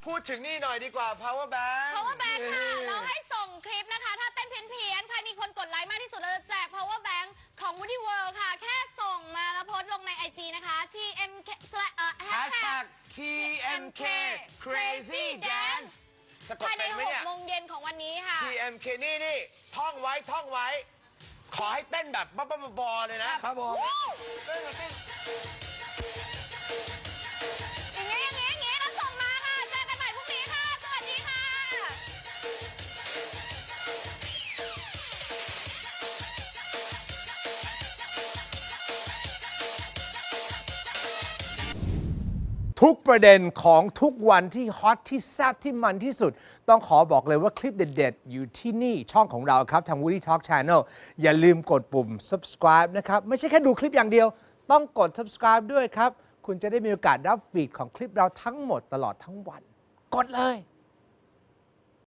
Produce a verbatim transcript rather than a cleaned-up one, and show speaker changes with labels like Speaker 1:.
Speaker 1: พูดถึงนี่หน่อยดีกว่า power bank
Speaker 2: power bank ค่ะเราให้ส่งคลิปนะคะถ้าเต้นเพี้ยนๆใครมีคนกดไลค์มากที่สุดเราจะแจก power bank ของ Woody World ค่ะแค่ส่งมาแล้วโพสต์ลงใน ไอ จี นะคะ ที เอ็ม เค เอ่อ
Speaker 1: hashtag ที เอ็ม เค crazy dance สะกด
Speaker 2: ภายใน
Speaker 1: เป็นไหม
Speaker 2: หก
Speaker 1: เนี่ย
Speaker 2: โมงเย็นของวันนี้ค่ะ
Speaker 1: ที เอ็ม เค นี่นี่ท่องไว้ท่องไว้ ขอให้เต้นแบบบ้าๆบอๆเลยนะครับ
Speaker 3: ผม
Speaker 1: เต้นแบบเต้น
Speaker 2: อย่างเงี้ยอย่างเงี้ยอย่างเงี้ยแล้วส่งมาค่ะเจอกันใหม่พรุ่งนี้ค่ะ สวัสดีค่ะ
Speaker 3: ทุกประเด็นของทุกวันที่ฮอตที่แซ่บที่มันที่สุด ต้องขอบอกเลยว่าคลิปเด็ดๆ อยู่ที่นี่ช่องของเราครับ ทาง Woody Talk Channel อย่าลืมกดปุ่ม subscribe นะครับ ไม่ใช่แค่ดูคลิปอย่างเดียว ต้องกด subscribe ด้วยครับ คุณจะได้มีโอกาสรับฟีดของคลิปเราทั้งหมดตลอดทั้งวัน กดเลย